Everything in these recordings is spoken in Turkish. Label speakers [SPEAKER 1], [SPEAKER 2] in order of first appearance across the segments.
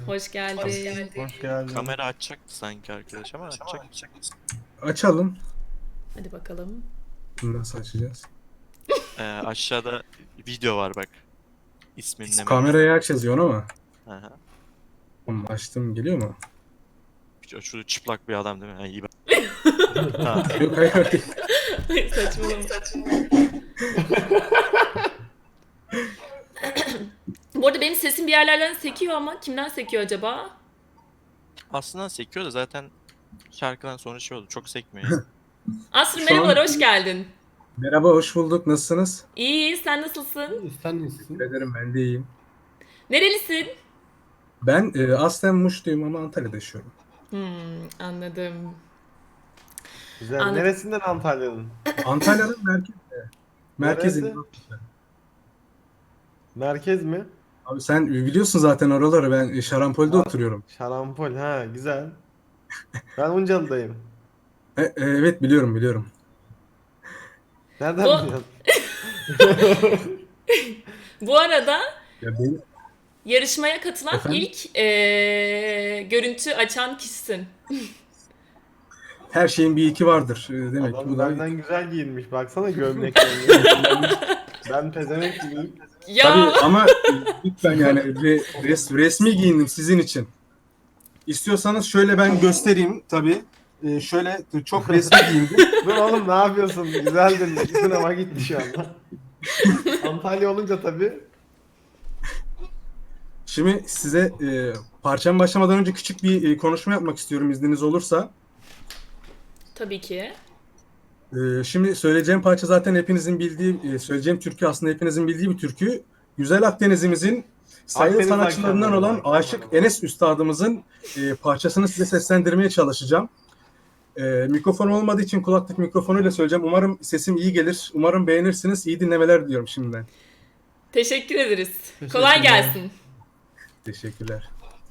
[SPEAKER 1] Hoş geldin.
[SPEAKER 2] Hoş geldin.
[SPEAKER 3] Kamera açacaktı sanki arkadaş ama açacak mısın?
[SPEAKER 2] Açalım.
[SPEAKER 1] Hadi bakalım.
[SPEAKER 2] Nasıl açacağız?
[SPEAKER 3] Aşağıda video var bak. İsminle
[SPEAKER 2] Kamerayı aç yazıyorsun ama.
[SPEAKER 3] Aha.
[SPEAKER 2] Açtım, geliyor mu?
[SPEAKER 3] Şu çıplak bir adam değil mi? Ha, iyi bak. Ha.
[SPEAKER 2] Yok, hayır.
[SPEAKER 1] Saçmalama. Bu arada benim sesim bir yerlerden sekiyor ama kimden sekiyor acaba?
[SPEAKER 3] Aslında sekiyor da zaten şarkıdan sonra şey oldu. Çok sekmiyor yani.
[SPEAKER 1] Aslı
[SPEAKER 2] Şu
[SPEAKER 1] merhabalar,
[SPEAKER 2] an-
[SPEAKER 1] hoş geldin.
[SPEAKER 2] Merhaba, hoş bulduk. Nasılsınız?
[SPEAKER 1] İyi, sen nasılsın?
[SPEAKER 4] Sen nesin?
[SPEAKER 2] Teşekkür ederim, ben de iyiyim.
[SPEAKER 1] Nerelisin?
[SPEAKER 2] Ben aslen Muşluyum ama Antalya'da yaşıyorum.
[SPEAKER 1] Anladım.
[SPEAKER 4] Güzel.
[SPEAKER 1] Anladım.
[SPEAKER 4] Neresinden Antalya'nın?
[SPEAKER 2] Antalya'nın merkezinde.
[SPEAKER 4] Neresi? Merkez mi?
[SPEAKER 2] Abi sen biliyorsun zaten oraları. Ben Şarampol'de
[SPEAKER 4] Ha,
[SPEAKER 2] oturuyorum.
[SPEAKER 4] Şarampol. Ha, güzel. Ben Uncalı'dayım.
[SPEAKER 2] Evet, biliyorum.
[SPEAKER 4] Nereden
[SPEAKER 1] Bu,
[SPEAKER 4] biliyorsun?
[SPEAKER 1] bu arada
[SPEAKER 2] Ya benim,
[SPEAKER 1] yarışmaya katılan
[SPEAKER 2] efendim,
[SPEAKER 1] ilk görüntü açan kişisin.
[SPEAKER 2] her şeyin bir iki vardır. Demek ki
[SPEAKER 4] Adam
[SPEAKER 2] bu da...
[SPEAKER 4] benden güzel giyinmiş. Baksana gömleklerini. Ben pezevenk gibiyim.
[SPEAKER 1] Ya
[SPEAKER 2] Tabii ama lütfen yani resmi giyindim sizin için. İstiyorsanız şöyle ben göstereyim tabii. Şöyle çok resmi giyindim.
[SPEAKER 4] Dur oğlum ne yapıyorsun? Güzeldin. Sınava gitti şu anda. Antalya olunca tabii.
[SPEAKER 2] Şimdi size parçam başlamadan önce küçük bir konuşma yapmak istiyorum izniniz olursa.
[SPEAKER 1] tabii ki.
[SPEAKER 2] Şimdi söyleyeceğim parça zaten hepinizin bildiği, söyleyeceğim türkü aslında hepinizin bildiği bir türkü. Güzel Akdeniz'imizin sayılı
[SPEAKER 4] Akdeniz
[SPEAKER 2] sanatçılarından
[SPEAKER 4] akşamları.
[SPEAKER 2] olan Aşık Enes Üstadımızın parçasını size seslendirmeye çalışacağım. Mikrofon olmadığı için kulaklık mikrofonuyla söyleyeceğim. Umarım sesim iyi gelir. Umarım beğenirsiniz. İyi dinlemeler diliyorum şimdiden.
[SPEAKER 1] Teşekkür ederiz.
[SPEAKER 4] Teşekkürler.
[SPEAKER 1] Kolay gelsin.
[SPEAKER 2] Teşekkürler.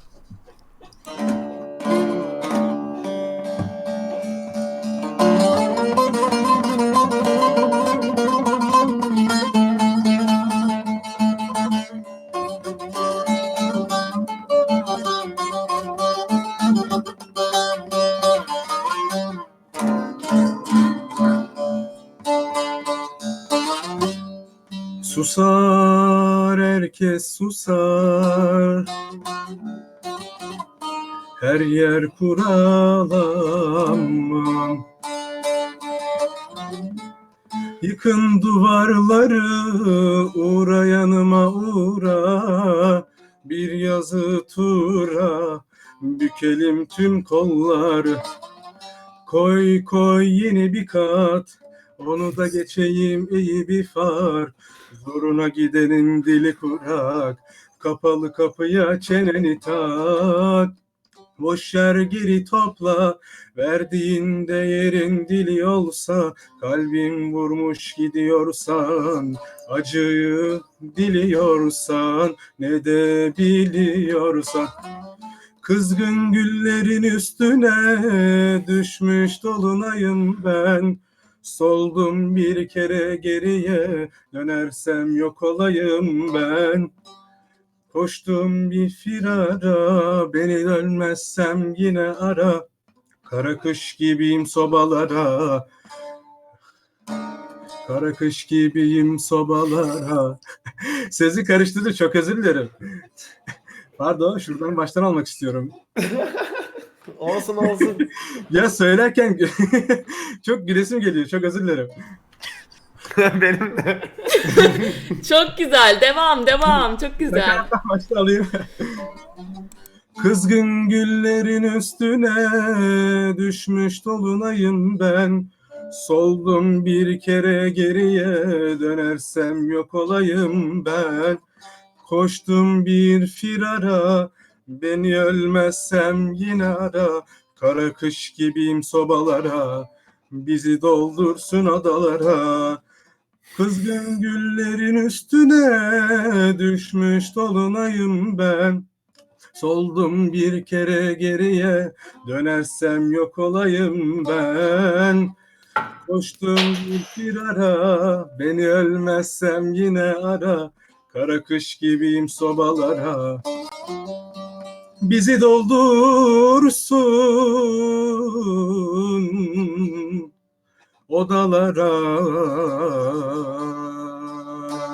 [SPEAKER 2] Susar, herkes susar. Her yer kural aman. Yıkın duvarları, uğra yanıma uğra. Bir yazı tura, bükelim tüm kolları. Koy yeni bir kat, onu da geçeyim iyi bir far. Zoruna gidenin dili kurak, kapalı kapıya çeneni tak. Boş yer geri topla, verdiğin değerin dili olsa, kalbin vurmuş gidiyorsan, acıyı diliyorsan, ne de biliyorsan. Kızgın güllerin üstüne düşmüş dolunayım ben. Soldum bir kere geriye, dönersem yok olayım ben. Koştum bir firara, beni dönmezsem yine ara. Kara kış gibiyim sobalara, kara kış gibiyim sobalara. Sesi karıştırdı, çok özür dilerim. Pardon, şuradan baştan almak istiyorum.
[SPEAKER 4] Olsun.
[SPEAKER 2] Ya söylerken çok gülesim geliyor. Çok özür dilerim.
[SPEAKER 4] Benim de.
[SPEAKER 1] Çok güzel. Devam. Çok güzel.
[SPEAKER 2] Baştan alayım. Kızgın güllerin üstüne düşmüş dolunayım ben. Soldum bir kere geriye, dönersem yok olayım ben. Koştum bir firara, beni ölmezsem yine ara. Kara kış gibiyim sobalara, bizi doldursun adalara. Kızgın güllerin üstüne düşmüş dolunayım ben. Soldum bir kere geriye, dönersem yok olayım ben. Koştum bir firara, beni ölmezsem yine ara. Kara kış gibiyim sobalara. bizi doldursun odalara